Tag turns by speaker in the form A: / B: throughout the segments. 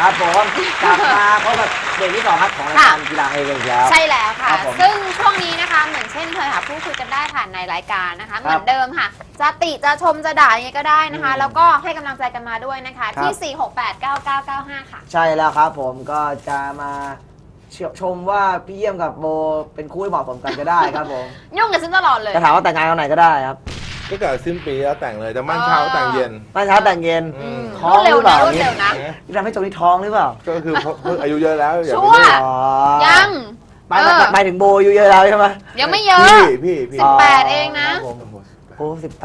A: ครับผมกลับมาพบกับเบรกที่2ครับของรายการกีฬาไฮเวย์แล้ว
B: ใช่แล้วค่ะซึ่งช่วงนี้นะคะเหมือนเช่นเคยค่ะพูดคุยกันได้ผ่านในรายการนะคะเหมือนเดิมค่ะจะติจะชมจะด่ายังไงก็ได้นะคะแล้วก็ให้กำลังใจกันมาด้วยนะคะที่ 4689995 ค่ะ
A: ใช่แล้วครับผมก็จะมาชมว่าพี่เยี่ยมกับโบเป็นคู่ที่เหมาะสมกันก็ได้ครับผม
B: ยุ่งกับฉันตลอดเลย
A: จะถามว่าแต่งงานวันไหนก็ได้ครับ
C: ก็เกิดสิ้นปีแล้วแต่งเลยแต่มั่นเช้าแต่งเย็น
A: มั่นเช้าแต่งเย็น
B: ท้องหรือเปล่านี่
A: ที่ทำให้จงนี้ท้องหรือเปล่า
C: ก็คืออายุเยอะแล้วอย่าไป
B: ยัง
A: ไปถึงโบอายุเยอะแล้วใช่ไหม
B: ยังไม่เยอะ
C: พี่
B: 18เองนะ
A: โอ้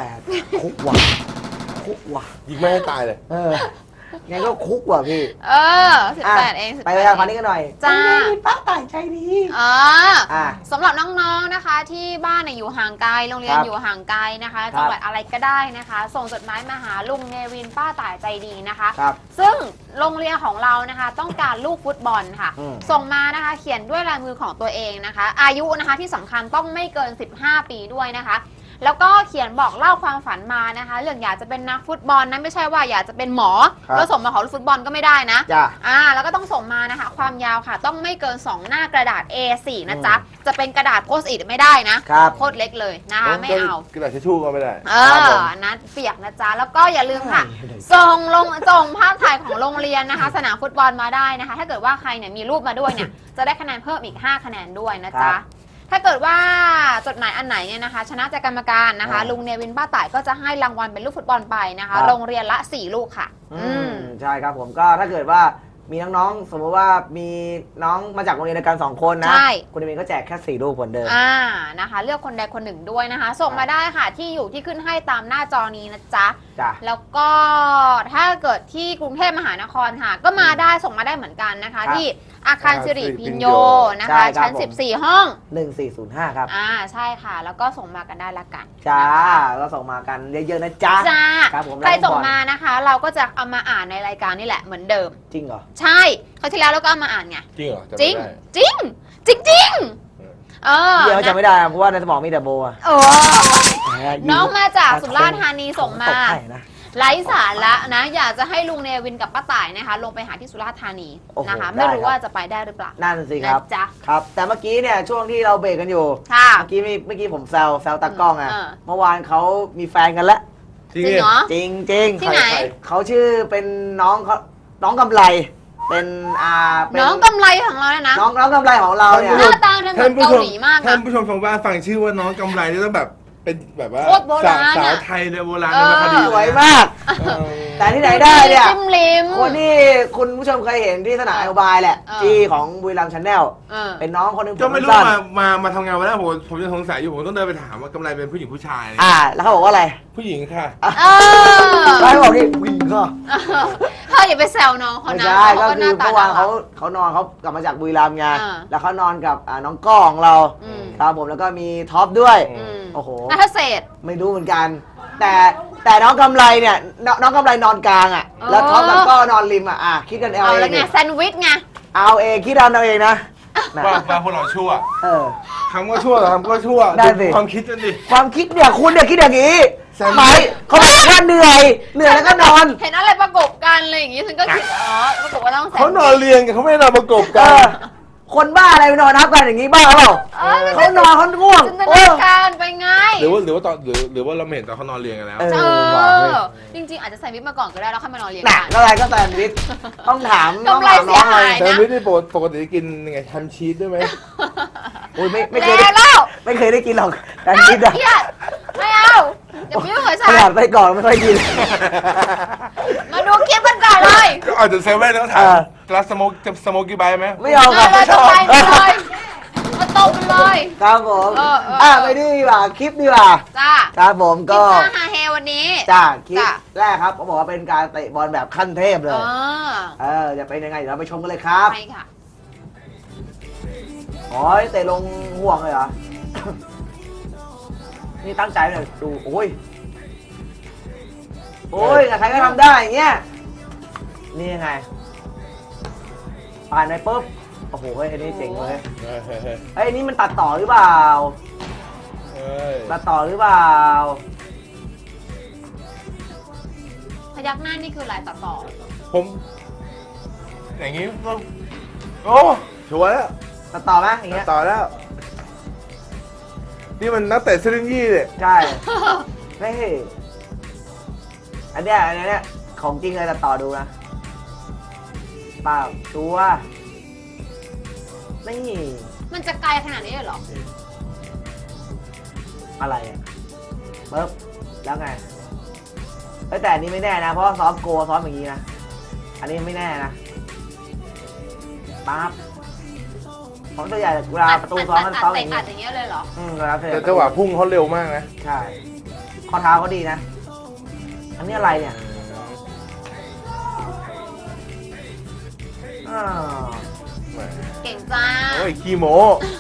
A: 18คุกว่ะ
C: ยิงไม่ให้ตายเลย
A: งั้นก็คุกว่ะพี่
B: 18เอง
A: ไปเลยคราวนี้กันหน่อย
B: จ้า
A: ป้าต่างใจดี
B: สำหรับน้องๆนะคะที่บ้านอยู่ห่างไกลโรงเรียนอยู่ห่างไกลนะคะจังหวัดอะไรก็ได้นะคะส่งจดหมายมาหาลุงเนวินป้าต่ายใจดีนะคะซึ่งโรงเรียนของเรานะคะต้องการลูกฟุตบอลค่ะส่งมานะคะเขียนด้วยลายมือของตัวเองนะคะอายุนะคะที่สำคัญต้องไม่เกิน15 ปีด้วยนะคะแล้วก็เขียนบอกเล่าความฝันมานะคะเรื่องอยากจะเป็นนักฟุตบอลนะไม่ใช่ว่าอยากจะเป็นหมอแล้วส่งมาขอลูกฟุตบอลก็ไม่ได้นะแล้วก็ต้องส่งมานะคะความยาวค่ะต้องไม่เกิน2หน้ากระดาษ A4 นะจ๊ะจะเป็นกระดาษโพสต์อิทไม่ได้นะโคตรเล็กเลยนะคะไม่เอา
C: กระดาษทิชชู่ก็ไม่ได้
B: นะเปียกนะจ๊ะแล้วก็อย่าลืมค่ะส่งภาพถ่ายของโรงเรียนนะคะสนามฟุตบอลมาได้นะคะถ้าเกิดว่าใครเนี่ยมีรูปมาด้วยเนี่ยจะได้คะแนนเพิ่มอีก5 คะแนนด้วยนะจ๊ะถ้าเกิดว่าจดหมายอันไหนเนี่ยนะคะชนะใจกรรมการนะคะลุงเนวินป้าต่ายก็จะให้รางวัลเป็นลูกฟุตบอลไปนะคะโรงเรียนละ4 ลูกค่ะ
A: ใช่ครับผมก็ถ้าเกิดว่ามีน้องๆสมมติว่ามีน้องมาจากโรงเรียนเดียวกัน2 คนนะคุณเนวินก็แจกแค่4 ลูกคนเดิม
B: นะคะเลือกคนใดคนหนึ่งด้วยนะคะส่งมาได้ค่ะที่อยู่ที่ขึ้นให้ตามหน้าจอนี้นะจ๊ะแล้วก็ถ้าเกิดที่กรุงเทพมหานครค่ะก็มาได้ส่งมาได้เหมือนกันนะคะที่อาคารสิริพิญโยนะคะชั้น14ห้อง
A: 1405ครับ
B: ใช่ค่ะแล้วก็ส่งมากันได้ละกัน
A: จ้าก็ส่งมากันเยอะๆนะจ๊ะ
B: ครับผมใครส่งมานะคะเราก็จะเอามาอ่านในรายการนี่แหละเหมือนเดิม
A: จริงเหรอ
B: ใช่คราวที่แล้วเราก็เอามาอ่านไง
C: จริงเหรอ
B: จริง
A: เดี๋ยวจะไม่ได้เพราะว่าในสมองมีแต่โบ
B: น้องมาจากสุราษฎร์ธานีส่งมาไร้สาระนะอยากจะให้ลุงเนวินกับป้าต่ายนะคะลงไปหาที่สุราษฎร์ธานีนะคะไม่รู้ว่าจะไปได้หรือเปล่า
A: นั่นสิครับครับแต่เมื่อกี้เนี่ยช่วงที่เราเบรกกันอยู่เมื่อกี้ผมแซวตากล้องเมื่อวานเขามีแฟนกันแล้ว
B: จริงเหรอ
A: จริง
B: ที่ไหน
A: เขาชื่อเป็นน้องกำไรเป็น
B: น้องกำไรของเราเนี่ยนะ
A: น้องกำไรของเราเนี่ย
B: หน้าตาเหมือนเกาหลีมากนะ
C: ท่านผู้ชมทางบ้านฟังชื่อว่าน้องกำไรนี่ต้องแบบเป็นแบบว่าสาวไทยในโบราณในคดี
A: สวยมากแต่ที่ไหนได้เนี่ยคนที่คุณผู้ชมเคยเห็นที่สนามไอโอบายแหละที่ของบุรีรัมย์ชาแนลเป็นน้องคนนึง
C: ก็ไม่รู้มาทำงานวันแรกผมจะสงสัยอยู่ผมต้องเดินไปถามว่ากำไรเป็นผู้หญิงผู้ชาย
A: แล้วเขาบอกว่าอะไร
C: ผู้หญิงค่ะ
A: เขาบอกนี่ผู้หญิงก็
B: อย่าไปแซวน้องเขานะ
A: ใช่ก็คือเมื่อวานเขานอนเขากลับมาจากบุรีรัมย์ไงแล้วเขานอนกับน้องก้องเราครับผมแล้วก็มีท็อปด้วยโอ้โห
B: นัทเศษ
A: ไม่รู้เหมือนกันแต่น้องกำไรเนี่ยน้องกำไรนอนกลางแล้วท็อปกับก็นอนริมคิดกันเอาเอง
B: แล้วไงแซนด์วิชไง
A: เอาเองคิดเอาเองนะ
C: ว่าพวกเราชั่วทำก็ชั่วทำก็ชั่วความคิดนั่นดิ
A: ความคิดเนี่ยคุณเนี่ยคิดอย่างนี้หมายเขาบอกว่าเหนื่อยแล้วก็นอน
B: เห็นอะไรประกบกันอะไรอย่างงี้ฉันก็คิดประกบว่าต้อง
C: เขานอนเรียงกันเขาไม่นอนประกบกัน
A: คนบ้าอะไรไปนอนทับกันอย่างนี้บ้าเปล่าเขานอนเขาง่วง
B: จินตนาการไปไง
C: หรือว่าตอนหรือว่าเราเห็นตอนเขานอนเรียงกันแล้ว
B: จริงๆอาจจะใส่วิกมาก่อนก็ได้แล้วค่อยมานอนเรียง
A: กันอะไรก็แซนด์วิชต้องถาม
B: น้องเสียหายนะ
C: แซนด์วิชที่ปกติกินยังไงแฮมชีสด้วยไหม
A: โอ้ยไม่เคยได้กินหรอกแซนด์วิช
B: ไม่เอาเดี๋ยวพี่ไม่เคยใส่
A: ขนาดไปก่อนไม่ค่อยกิน
B: มาดูคลิปกันก่อนเลย
C: ก็อาจจะเซเว่นแล้วถามแล้วสโมกกี่ใบไหม
A: ไม่เอาครับ
B: ไม่ชอบเลยมาตบเลย
A: ครับผมไปดีกว่าคลิปดีกว่าครับผมก็
B: ฮาเฮวันนี้
A: คลิปแรกครับเขาบอกว่าเป็นการเตะบอลแบบขั้นเทพเลยจะเป็นยังไงเดี๋ยวเราไปชมกันเลยครับ
B: ใช่ค่ะ
A: เตะลงห่วงเลยเหรอนี่ตั้งใจเลยดูโอ้ยใครก็ทำได้อย่างเงี้ยนี่ยังไงผ่านไปปุ๊บโอ้โหอันนี้เจ๋งเลยนี่มันตัดต่อหรือเปล่าตัดต่อหรือเปล่า
B: พยักหน้านี่คืออะไรตัดต่อ
C: ผมอย่างนี้ก็โอ้ชัวร์แล้ว
A: ตัดต่อไหมอย่างเงี้ย
C: ต่อแล้ว นี่มันนักเตะซิลินยี่เลย
A: ใช่ไม่อันเนี้ยของจริงเลยตัดต่อดูนะเปล่าตัวนี่
B: มันจะไกลขนาดนี้เลยเหรอ
A: อะไรอ่ะปึ๊บแล้วไงแต่อันนี้ไม่แน่นะเพราะว่าซ้อมโกซ้อมอย่างนี้นะอันนี้ไม่แน่นะปั๊บของตัวใหญ่เวลาประตูซ้อมมันซ้อมอย่างนี้
B: อัดอย่างเงี้ยเลยเหรอ
A: แล้ว
C: แต่จังหวะพุ่งเขาเร็วมากนะ
A: ใช่ข้อเท้าเขาดีนะอันนี้อะไรเนี่ยอ้าว
B: เก่งจ้า
C: โอ้ยขี้โม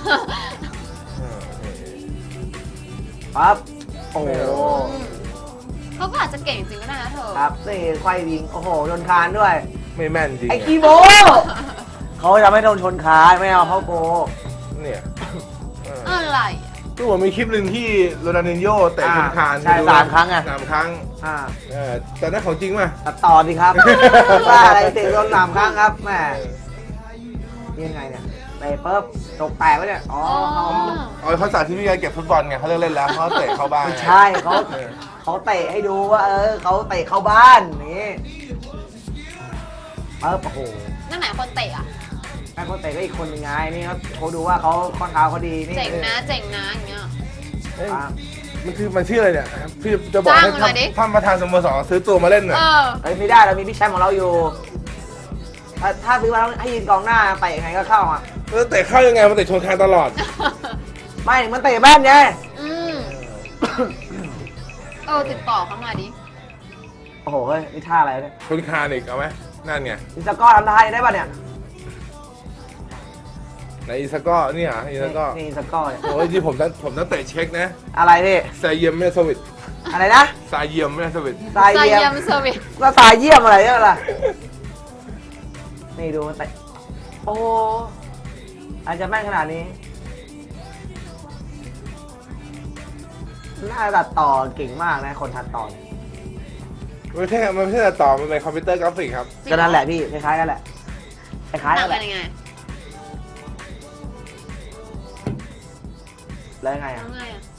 A: ปั๊บโอ้โห
B: เขาก็อาจจะเก่งจริงก็ได้นะเธอ
A: ครับนี่ไขว้วิงโอ้โหโดนคานด้วย
C: ไม่แม่นจริง
A: ไอ้คีโมเขาจะไม่โดนชนคานไม่เอาเข้าโก
C: เนี่ย
B: อะไร
C: ก็ผมมีคลิปหนึ่งที่โรนัลดินโญ่เตะชนคาน
A: ใช่3 ครั้งไง
C: 3 ครั้ง แต่นั่นของจริงป่ะ
A: ตัดต่อดิครับว่าอะไรเตะโดน3 ครั้งครับแม่ยังไงเนี่ยเตะปุ๊บตกแตกแล้วเนี่ยอ๋อ
C: เอาเขาสาธิตวิธีการเก็บฟุตบอลไงเขาเลิกเล่นแล้วเขาเตะเข้าบ้าน
A: ไม่ใช่เขาเตะให้ดูว่าเขาเตะเข้าบ้านนี่ปุ๊บโอ้โห
B: นั่นไหนคนเตะอ่ะ
A: แม่เขาเตะก็อีกคนยังไงนี่เขาดูว่าเขาข้อเท้าเขาดีนี่
B: เจ๋งนะอย่างเงี้ย
C: มันชื่ออะไรเนี่ยพี่จะบอกให้
B: จ้างมันหน่อยดิ
C: ท่านประธานสโมสรซื้อตัวมาเล่นหน่อย
A: ไม่ได้เรามีพี่แชมป์ของเราอยู่ถ้าซื้อมาแล้วให้ยืนกองหน้าเตะยังไงก็เข้าอ่ะ
C: แล้วเตะเข้ายังไงมันเตะชนคานตลอด
A: ไม่มันเตะแม่นไง
B: ติดต่อเข้ามาดิ
A: โอ้โหเฮ้ยนี่ท่าอะไรเนี่ย
C: ชนคานอีกเอาไหมนั่นไง
A: อิสกอร์ทำท่าได้ป่ะเนี่ย
C: ในอีสก็นี่อ่ะอีสก็
A: นี่อิสกอร์เนี่ย
C: โอ้ยที่ผมต้องเตะเช็คนะ
A: อะไรพี่
C: ซาเยียมไม่ได้สวิต
A: อะไรนะ
C: ซาเยียมไม่ได้สวิต
A: ทราย
B: ใจ
A: เยี่ย
B: เยี่ย
A: ม
B: มเซอร์วิส
A: ก็ทรายเยี่ยมอะไรเนี่ยล่ะนี่ดูมันเตะโอ้อาจจะแม่นขนาดนี้น่าตัดต่อเก่งมากนะคนตัดต่อเนี่ย
C: มันไม่ใช่ต่อมันเป็นคอมพิวเตอร์กราฟิกครับ
A: ก็นั่นแหละพี่คล้ายๆกันแหละคล้ายๆ
B: ต่า
A: กั
B: ง
A: นแห
B: กั
A: ละ
B: นยังไง
A: แล้วยังไง
B: แล้
A: อ่ะ
B: วไงอ่ะ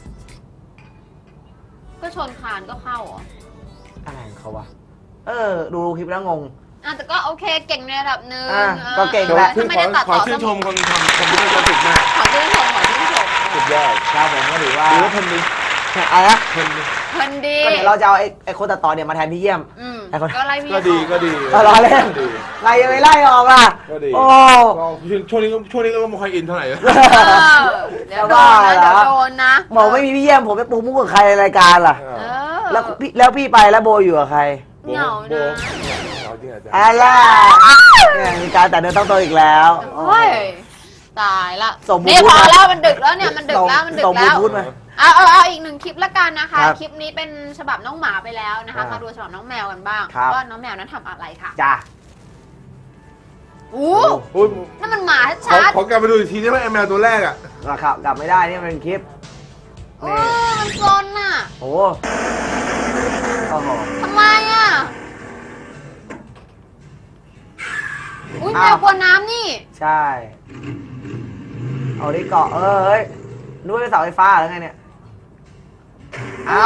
B: ก็ชนคานก็เข้าเหรอ
A: อะไรของเขาวะดูคลิปแล้วงง
B: แต่ก็โอเคเก่งในระดับหนึ่ง
A: ก็เก่ง
B: แต่
A: แหละ
B: ถ้าไม่ได้ตัด
C: ขอ
B: ต่อ
C: ชื่นชมคนทำคอมพิวเตอร์กราฟิกมาก
B: ขอชื่นชม
C: สุดยอด
A: ครับผมก็ถือว่า
C: ดูแล้วทนดี
A: อะไรนะ
C: ทนดี
B: คนดี
A: ก็เดี๋ยวเราจะเอาไอ้คนตัดต่อเนี่ยมาแทนพี่เยี่ยม ไอ้คน
B: ก็ไล่พี่
C: ก็ดีก็ดี
A: รอเล่น
C: ดี
A: ไงยังไม่ไล่ออกล่ะ
C: ก็ดี
A: โอ้
C: ช่วงนี้ก็ไม่ค่อยอินเท่าไหร่
B: เดี๋ยวโดนนะเดี๋ยวโดนนะ
A: บอกไม่มีพี่เยี่ยมผมจะปูมุกกับใครในรายการล่ะ แล้วพี่ไปแล้วโบอยู่กับใคร
B: เหงานะ
C: เอาจริงอาจารย์
A: อะไรเนี่ยมีการแต่เดินต้องโตอีกแล้ว
B: โอ้ยตายละ
A: ส่งบู
B: นี่
A: ทูธ
B: พอ
A: มา
B: แล้วมันดึกแล้วเนี่ยมันดึกแล้วมันดึก
A: ส่งบู
B: แล้ว
A: ทูธมา
B: เอาอีกหนึ่งคลิปละกันนะคะ
A: ครับ
B: คลิปนี้เป็นฉบับน้องหมาไปแล้วนะคะมาดูฉบับน้องแมวกันบ้าง
A: ครับ
B: ว่าน้องแมวนั้นทำอะไรค่ะ
A: จ้า
B: อู้
C: โอ้ย
B: นั่นมันหมาชัด
C: ขอกลับไปดูอีกทีได้ไหมไอแมวตัวแรกอ่ะ
A: ราคากลับไม่ได้นี่มันเป็นคลิป
B: ๆโอ้มันซนน่ะ
A: โอ้โห
B: ทำไมอ่ะอุ้ยแมวกลัวน้ำนี่
A: ใช่เอาดิเกาะเอ้ยนึกว่าเป็นเสาไฟฟ้าหรือไงเนี่ยเอา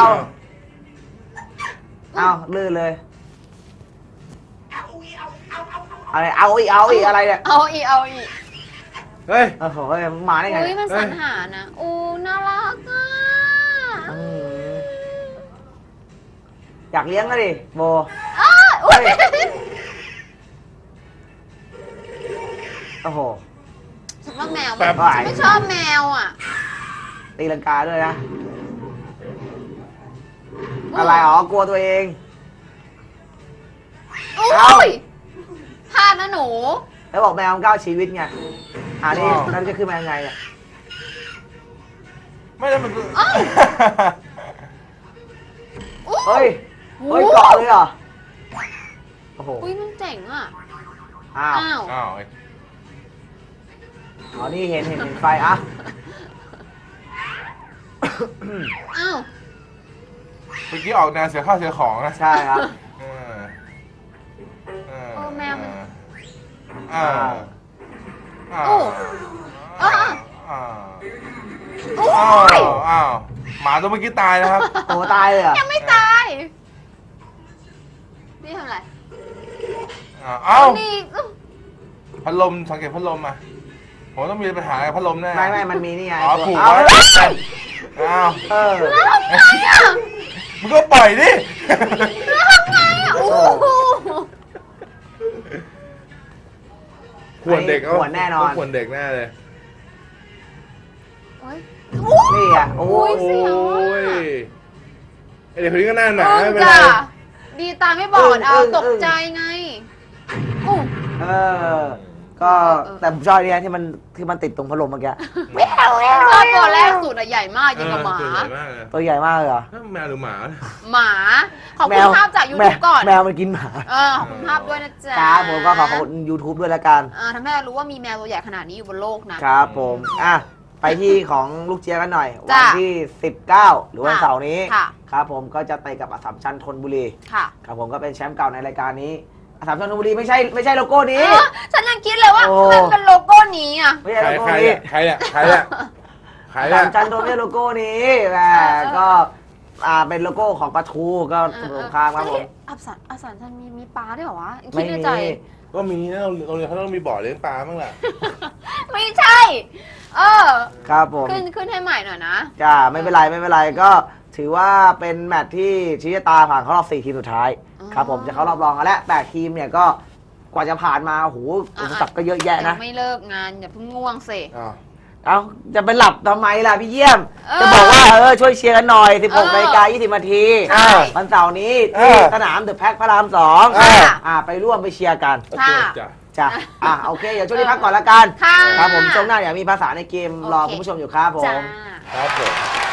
A: ลื่นเลยอะไรเอาอีกอะไรเนี่ย
B: เอาอีก
C: เฮ้ย
A: โอ้โหมาได้ไง
B: อุ้ยมันสรรหานะอู้น่ารักอ่ะ
A: อืมอยากเลี้ยงก็ดิโบ
B: อุ้ย
A: โอ้โห
B: ฉันว่าแมว
C: แบบ
B: ฉันไม่ชอบแมวอ่ะ
A: ตีลังกาด้วยนะ อะไรกลัวตัวเอง
B: อุ้ยพลาดนะหนู
A: แล้วบอกแมวมัน9 ชีวิตไงนี่นั่นจะขึ้นมายังไงเนี่ย
C: ไม่ได้มัน
A: เฮ้ยเกาะเลยเหรอ โอ้โห
B: อุ้ยมันเจ๋งอ่ะ
A: อ้าว
C: อ้าว
A: นี่เห็นไฟอ่ะ
B: อ้าว
C: เมื่อกี้ออกแนวเสียข้าวเสียของนะ
A: ใช่ครับ
B: แมวมัน
C: อ่า
B: โอ้อ่า โอ้ย
C: อ้าวหมาตัวเมื่อกี้ตายนะครับ
A: โอ้ตายเลยเหรอ
B: ยังไม่ตาย นี่ทำอะไร
C: เอ้า
B: นี่
C: พัดลมสังเกตพัดลมมาผมต้องมีปัญหากับพัดลมแน่
A: ไม่มันมีนี่ไง
C: อ๋อผูก
A: เอา
C: ไว้
A: เลย
C: อ้าว
A: เออ
C: มึงก็ปล่อยดิ
B: โอ้โห
C: ขวดเด็ก
A: ขวดแน่นอน
C: ขวดเด็กแน่เลย
B: โอ้ย
A: นี่อ่ะโอ้
B: โอ้
A: ย
B: ยเสียว
C: โอ้
B: อะ
C: ยไอเด็กคนนี้ก็หน้าหนาไม่เป็น
B: จ้ะ
C: ไร
B: ดีตาไม่บอดเอาตกใจไงอู้
A: เออ ก็แต่ผมชอบเนี่ยที่มันติดตรงพัดลมเมื่อกี้
B: ชอบตัวแรกสุดอะใหญ่มากยิ่งกว่าหมา
C: ตัวใหญ่มากเลย
A: ตัวใหญ่มากเลยเหรอ
C: แมวหรือหมา
B: หมา ขอบคุณภาพจาก YouTube ก่อน
A: แมวมันกินหมา
B: ขอบคุณภาพด้วยนะจ๊ะ
A: ครับผมก็ขอบคุณ YouTube ด้วยละกัน
B: ทำให้เรารู้ว่ามีแมวตัวใหญ่ขนาดนี้อยู่บนโลกนะครับ
A: ผมไปที่ของลูกเจี๊ยบกันหน่อย วั
B: จ้ะ
A: ที่ 19 หรือวันเสาร์นี้
B: ค่ะ
A: ครับผมก็จะไปกับอัสสัมชัญธนบุรี
B: ค่ะ
A: ครับผมก็เป็นแชมป์เก่าในรายการนี้อัสสัมชัญธนบุรีไม่ใช่โลโก้นี้
B: ฉันยังคิดเลยว่า
A: โอ้
B: มันเป็นโลโก้นี้อ่ะ
A: ไม่ใช่โลโก้
C: ใคร
A: นี้
C: ใครใครอ่ะใคร
A: อัสสั
C: อ่ะ
A: มชัญธนไม่ใช่โลโก้นี้แหมก็เป็นโลโก้ของปลาทูก็สงครามครับผม
B: อับสันฉันมีปลาด้วยเหรอวะคิ
A: ไม่
B: ดใน
A: มี
B: ใจ
C: ก็มีนะโรงเรียนเขาต้องมีบ่อเลี้ยงปลาบ้างแหละ
B: ไม่ใช่
A: ครับผม
B: ขึ้นให้ใหม่หน่อยนะ
A: จ้าไม่เป็นไรก็ถือว่าเป็นแมตช์ที่ชี้ชะตาผ่านเข้ารอบ 4 ทีมสุดท้าย
B: อ๋อ
A: ครับผมจะเข้ารอบรองกันแล้ว8ทีมเนี่ยก็กว่าจะผ่านมาโอ้โหอุปสรรคก็เยอะแยะ
B: ยั
A: นะ
B: งไม่เลิกงานอย่าเพิ่งง่วงสิ
A: เอาจะไปหลับทำไมล่ะพี่เยี่ยม
B: เออ
A: จะบอกว่าช่วยเชียร์กันหน่อย 16
B: เออ
A: นาฬิกา20 นาที
B: ใช่
A: วันเสาร์นี้
C: เอ
A: ที่
C: อ
A: สนามเดอะแพ็คพระราม
B: ค่ะ
A: 2ไปร่วมไปเชียร์กัน
C: โอเคจ้ะ
A: จ้ะโอเคเดี๋ยวช่วงนี้พักก่อนละกัน
B: ค่ะ
A: ครับผมช่วงหน้าเดี๋ยวมีภาษาในเกมรอ
B: โอเค
A: คุณผู้ชมอยู่ครับผ
B: จ้า
A: ม
C: ครับผม